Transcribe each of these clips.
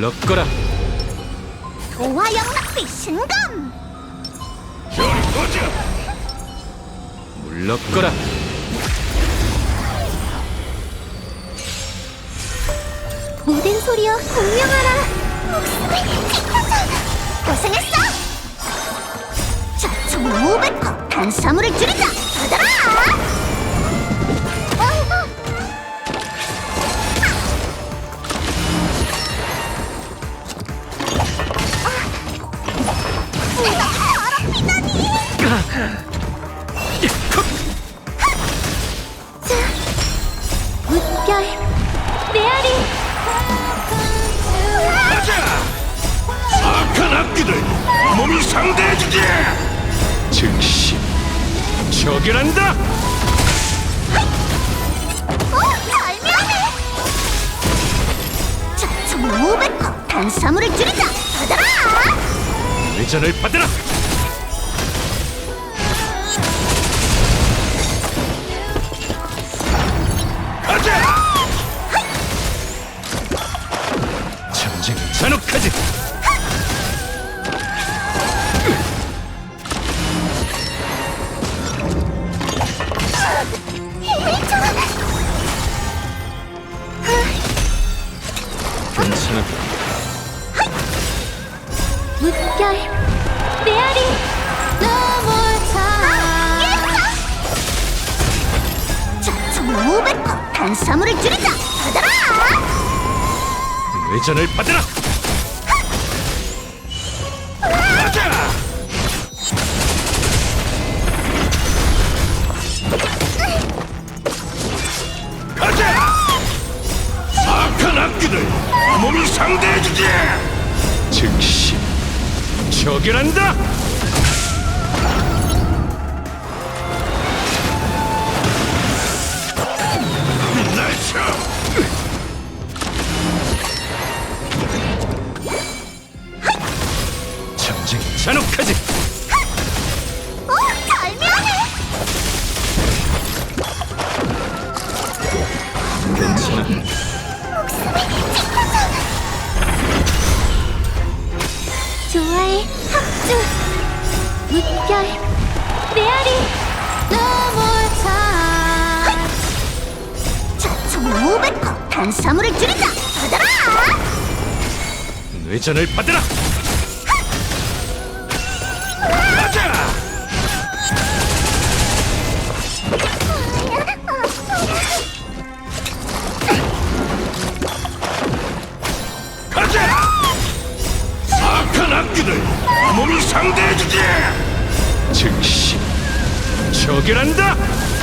물러거라. 도화영락비 신검! 물러거라. 모든 소리여 공명하라. 목숨을 지켜줘. 고생했어. 자, 총 500컵 탄수화물을 줄이자. 받아라. 물결 메아리. 악한 악기들 몸이 상대해주지. 즉시 처결한다. 절묘해. 자, 총 500컵 탄수화물을 줄이자. 받아라. 회전을 받으라. 가자. 전쟁은 잔혹하지. 힘을 줘. 괜찮아. 물결 메아리. 자, 총 500컵 탄수화물을 줄이자. 받아라. 회전을 받으라. 가자. 가자. 악한 악기들 몸이 상대해주지. 즉시 처결한다. 날쳐. 전쟁은 잔혹하지. 오, 절묘해. 괜찮아. 좋아해 합주. 물결 메아리. 자, 총 500컵 탄수화물을 줄이자. 받아라. 회전을 받으라. 가자. 가자. 악한 악기들 몸이 상대해주지. 즉시 처결한다.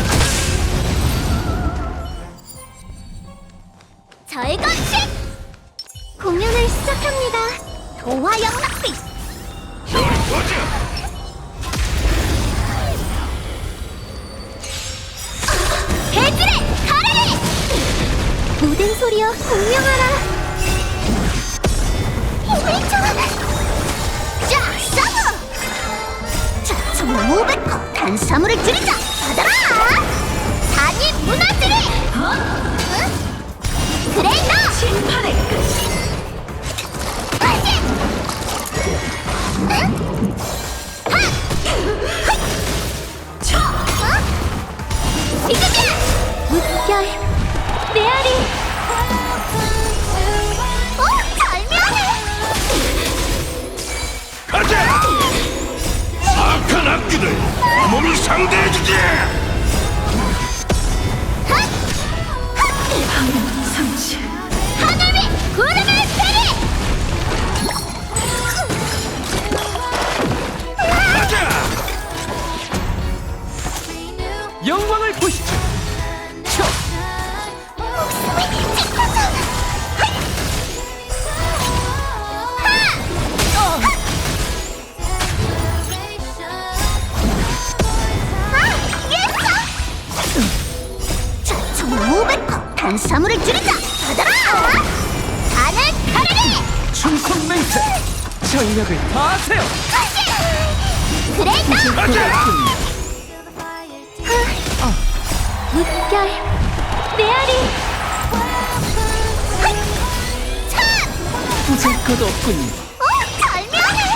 절건식 공연을 시작합니다. 도화영락비. 보자. 해질의 가래리. 모든 소리여 공명하라. 힘을 줘. 자, 싸워. 자, 총 500컵 탄수화물을 줄이자. 받아라. 산이 무너지리. 응? 그래, 너. 심판의 끝. 응? 쳐. 이거야. 물결 메아리. 오, 절묘해. 가자. 악한 악기들 몸이 상대해주지. 하늘 위 구름을 베리. 가자. 영광을 보시죠. 자, 총 500컵 탄수화물을 줄이자. 받아라. 하늘 가래리. 충성 맹세. 전력을 다하세요. 그래, 너. 가자. 물결 메아리. 참. 찾을 것 없군요. 절묘해.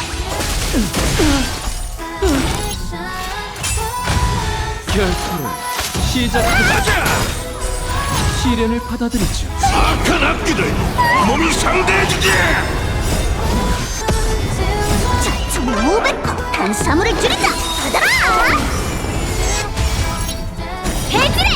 결투를 시작하자. 가자! 시련을 받아들이죠. 악한 악기들 몸이 상대해주지! 자, 총 500호. 탄수화물을 줄이자. 받아라. 해지래.